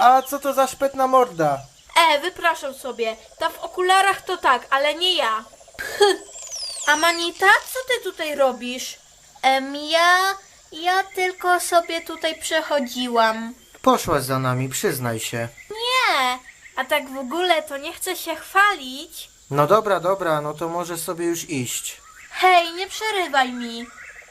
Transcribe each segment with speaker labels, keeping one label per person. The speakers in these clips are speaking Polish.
Speaker 1: A co to za szpetna morda?
Speaker 2: Wypraszam sobie. Ta w okularach to tak, ale nie ja. Amanita, co ty tutaj robisz? Ja tylko sobie tutaj przechodziłam.
Speaker 1: Poszłaś za nami, przyznaj się.
Speaker 2: Nie, a tak w ogóle to nie chcę się chwalić.
Speaker 1: No dobra, no to możesz sobie już iść.
Speaker 2: Hej, nie przerywaj mi.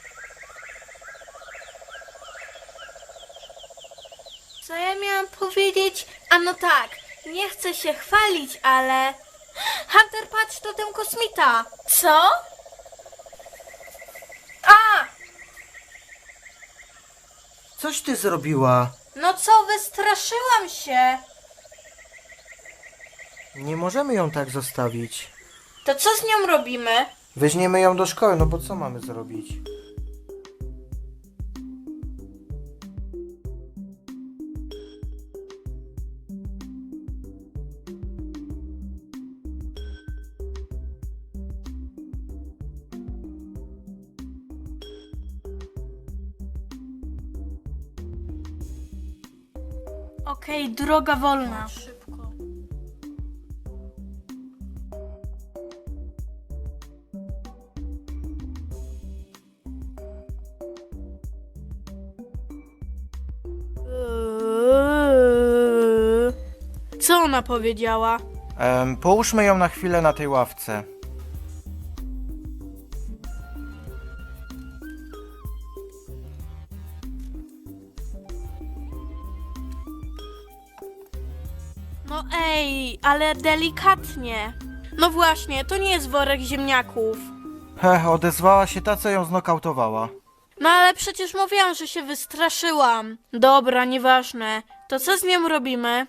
Speaker 2: Co ja miałam powiedzieć? A no tak, nie chcę się chwalić, ale... Hunter, patrz, to ten kosmita. Co? A!
Speaker 1: Coś ty zrobiła?
Speaker 2: No co, wystraszyłam się.
Speaker 1: Nie możemy ją tak zostawić.
Speaker 2: To co z nią robimy?
Speaker 1: Weźmiemy ją do szkoły, no bo co mamy zrobić?
Speaker 2: Okej, droga wolna. Szybko. Co ona powiedziała?
Speaker 1: Połóżmy ją na chwilę na tej ławce.
Speaker 2: No ej, ale delikatnie. No właśnie, to nie jest worek ziemniaków.
Speaker 1: Odezwała się ta, co ją znokautowała.
Speaker 2: No ale przecież mówiłam, że się wystraszyłam. Dobra, nieważne. To co z nią robimy?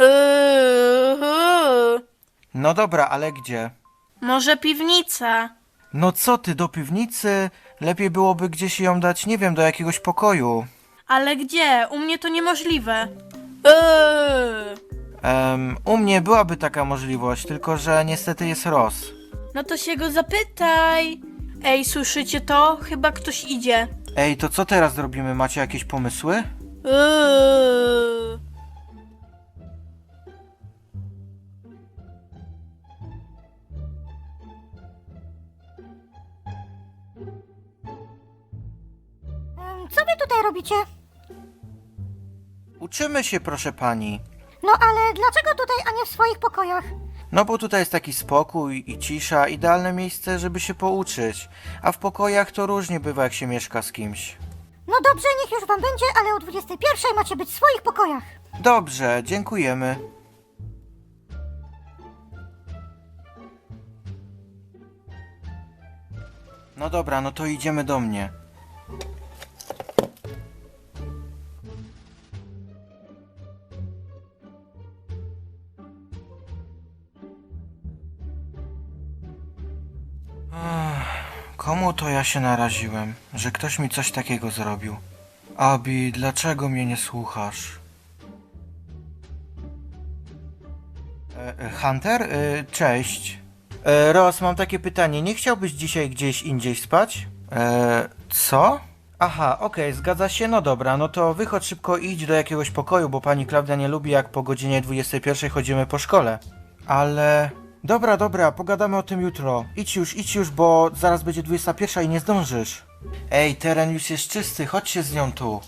Speaker 1: No dobra, ale gdzie?
Speaker 2: Może piwnica?
Speaker 1: No co ty, do piwnicy? Lepiej byłoby gdzieś ją dać, nie wiem, do jakiegoś pokoju.
Speaker 2: Ale gdzie? U mnie to niemożliwe.
Speaker 1: U mnie byłaby taka możliwość, tylko że niestety jest Ross.
Speaker 2: No to się go zapytaj. Ej, słyszycie to? Chyba ktoś idzie.
Speaker 1: Ej, to co teraz zrobimy? Macie jakieś pomysły?
Speaker 3: Co wy tutaj robicie?
Speaker 1: Uczymy się, proszę pani.
Speaker 3: No ale dlaczego tutaj, a nie w swoich pokojach?
Speaker 1: No bo tutaj jest taki spokój i cisza, idealne miejsce, żeby się pouczyć. A w pokojach to różnie bywa, jak się mieszka z kimś.
Speaker 3: No dobrze, niech już wam będzie, ale o 21 macie być w swoich pokojach.
Speaker 1: Dobrze, dziękujemy. No dobra, no to idziemy do mnie. Komu to ja się naraziłem, że ktoś mi coś takiego zrobił? Abi, dlaczego mnie nie słuchasz? Hunter? Cześć. Ross, mam takie pytanie. Nie chciałbyś dzisiaj gdzieś indziej spać? Co? Aha, okej, zgadza się. No dobra, no to wychodź szybko i idź do jakiegoś pokoju, bo pani Klaudia nie lubi, jak po godzinie 21 chodzimy po szkole. Ale... Dobra, pogadamy o tym jutro. Idź już, bo zaraz będzie 21 i nie zdążysz. Ej, teren już jest czysty, chodź się z nią tu.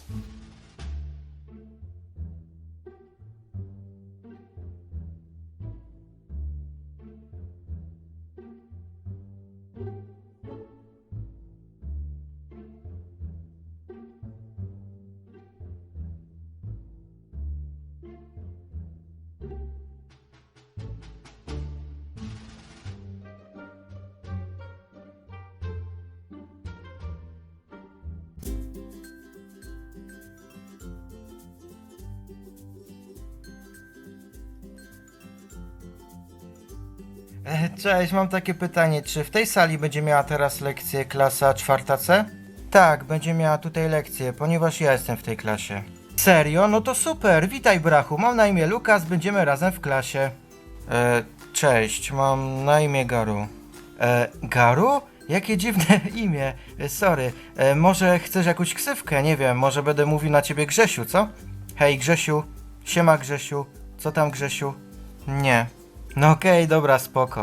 Speaker 1: Cześć, mam takie pytanie. Czy w tej sali będzie miała teraz lekcję klasa 4C? Tak, będzie miała tutaj lekcję, ponieważ ja jestem w tej klasie. Serio? No to super, witaj brachu, mam na imię Lukas, będziemy razem w klasie. Cześć, mam na imię Garu. Garu? Jakie dziwne imię, sorry. Może chcesz jakąś ksywkę, nie wiem, może będę mówił na ciebie Grzesiu, co? Hej Grzesiu. Siema Grzesiu. Co tam Grzesiu? Nie. No okej, dobra, spoko.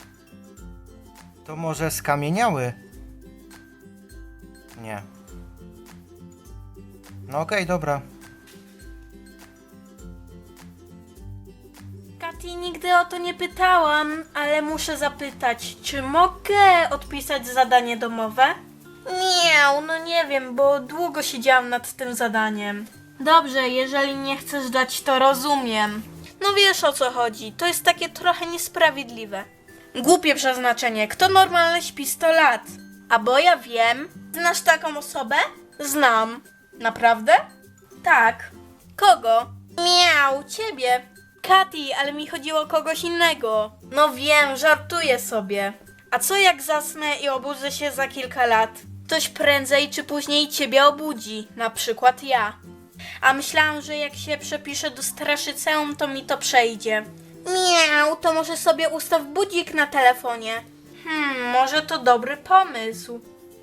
Speaker 1: To może skamieniały? Nie. No okej, dobra.
Speaker 2: Kati, nigdy o to nie pytałam, ale muszę zapytać, czy mogę odpisać zadanie domowe? Miau, no nie wiem, bo długo siedziałam nad tym zadaniem. Dobrze, jeżeli nie chcesz dać, to rozumiem. No wiesz o co chodzi, to jest takie trochę niesprawiedliwe. Głupie przeznaczenie, kto normalnie śpi 100 lat? A bo ja wiem, znasz taką osobę? Znam. Naprawdę? Tak. Kogo? Miau, ciebie. Kati, ale mi chodziło o kogoś innego. No wiem, żartuję sobie. A co jak zasnę i obudzę się za kilka lat? Ktoś prędzej czy później ciebie obudzi, na przykład ja. A myślałam, że jak się przepiszę do straszyceum, to mi to przejdzie. Miau, to może sobie ustaw budzik na telefonie. Może to dobry pomysł.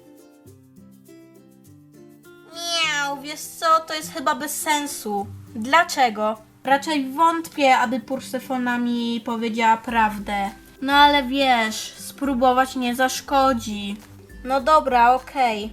Speaker 2: Miau, wiesz co, to jest chyba bez sensu. Dlaczego? Raczej wątpię, aby Persefona mi powiedziała prawdę. No ale wiesz, spróbować nie zaszkodzi. No dobra, okej.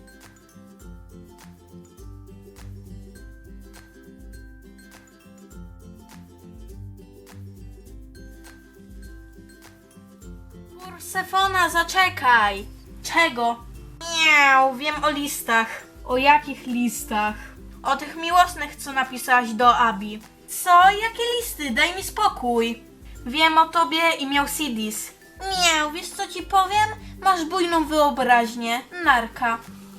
Speaker 2: Persefona, zaczekaj! Czego? Miau, wiem o listach. O jakich listach? O tych miłosnych, co napisałaś do Abi. Co? Jakie listy? Daj mi spokój. Wiem o tobie i miał Sidis. Miau, wiesz co ci powiem? Masz bujną wyobraźnię. Narka.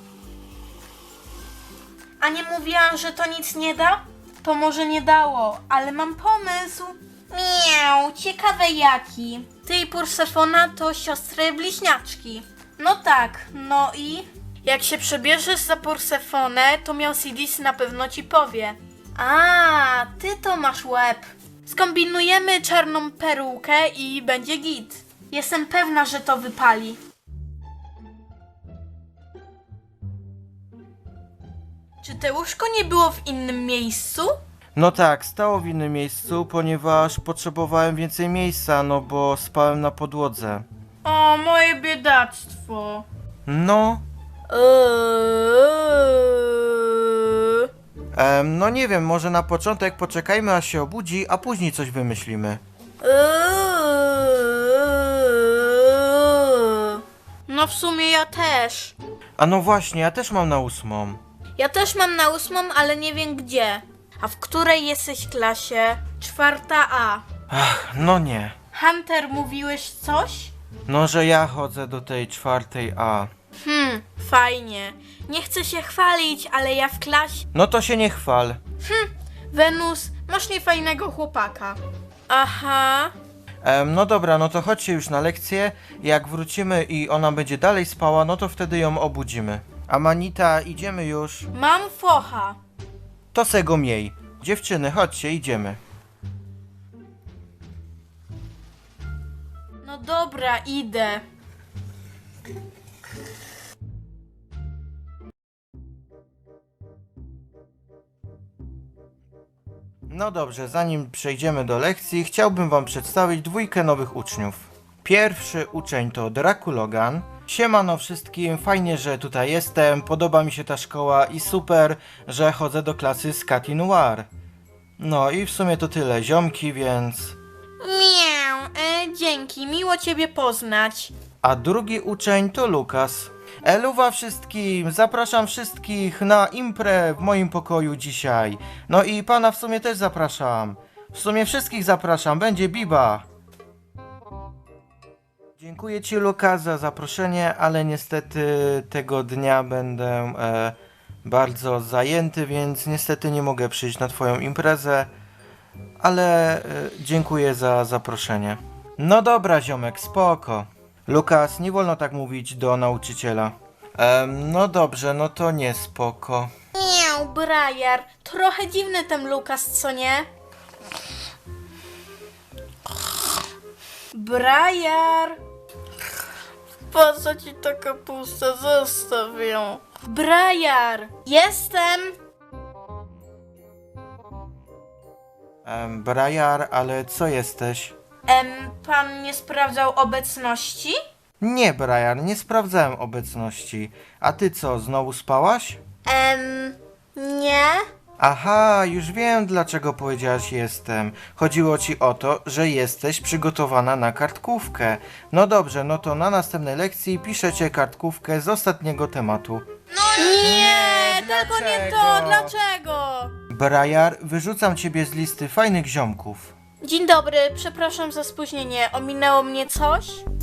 Speaker 2: A nie mówiłam, że to nic nie da? To może nie dało, ale mam pomysł. Miau, ciekawe jaki. Ty i Persefona to siostry bliźniaczki. No tak, no i? Jak się przebierzesz za Persefonę, to miał Sidis na pewno ci powie. A, ty to masz łeb. Skombinujemy czarną perukę i będzie git. Jestem pewna, że to wypali. Czy te łóżko nie było w innym miejscu?
Speaker 1: No tak, stało w innym miejscu, ponieważ potrzebowałem więcej miejsca, no bo spałem na podłodze.
Speaker 2: O, moje biedactwo.
Speaker 1: No, no nie wiem, może na początek poczekajmy aż się obudzi, a później coś wymyślimy.
Speaker 2: No w sumie ja też.
Speaker 1: A no właśnie, ja też mam na 8.
Speaker 2: Ja też mam na 8, ale nie wiem gdzie. A w której jesteś klasie? 4A.
Speaker 1: Ach, no nie.
Speaker 2: Hunter, mówiłeś coś?
Speaker 1: No, że ja chodzę do tej 4A.
Speaker 2: Fajnie. Nie chcę się chwalić, ale ja w klasie...
Speaker 1: No to się nie chwal.
Speaker 2: Wenus, masz niefajnego chłopaka. Aha.
Speaker 1: No dobra, no to chodźcie już na lekcję. Jak wrócimy i ona będzie dalej spała, no to wtedy ją obudzimy. Amanita, idziemy już.
Speaker 2: Mam focha.
Speaker 1: To se go miej. Dziewczyny, chodźcie, idziemy.
Speaker 2: No dobra, idę.
Speaker 1: No dobrze, zanim przejdziemy do lekcji, chciałbym wam przedstawić 2 nowych uczniów. Pierwszy uczeń to Drakulogan. Siemano wszystkim, fajnie, że tutaj jestem, podoba mi się ta szkoła i super, że chodzę do klasy z Kati Noir. No i w sumie to tyle, ziomki, więc...
Speaker 2: Miau, dzięki, miło ciebie poznać.
Speaker 1: A drugi uczeń to Lukas. Eluwa wszystkim, zapraszam wszystkich na imprę w moim pokoju dzisiaj. No i pana w sumie też zapraszam. W sumie wszystkich zapraszam, będzie biba. Dziękuję ci Lukas za zaproszenie, ale niestety tego dnia będę bardzo zajęty, więc niestety nie mogę przyjść na twoją imprezę. Ale dziękuję za zaproszenie. No dobra ziomek, spoko. Lukas, nie wolno tak mówić do nauczyciela. No dobrze, no to nie spoko.
Speaker 2: Miau, Briar, trochę dziwny ten Lukas, co nie? Briar! Po co ci ta kapusta? Zostaw ją. Briar! Jestem!
Speaker 1: Briar, ale co jesteś?
Speaker 2: Pan nie sprawdzał obecności?
Speaker 1: Nie, Briar, nie sprawdzałem obecności. A ty co, znowu spałaś?
Speaker 2: Nie.
Speaker 1: Aha, już wiem, dlaczego powiedziałaś jestem. Chodziło ci o to, że jesteś przygotowana na kartkówkę. No dobrze, no to na następnej lekcji piszecie kartkówkę z ostatniego tematu.
Speaker 2: Nie, tylko nie to, dlaczego?
Speaker 1: Briar, wyrzucam ciebie z listy fajnych ziomków.
Speaker 2: Dzień dobry, przepraszam za spóźnienie. Ominęło mnie coś?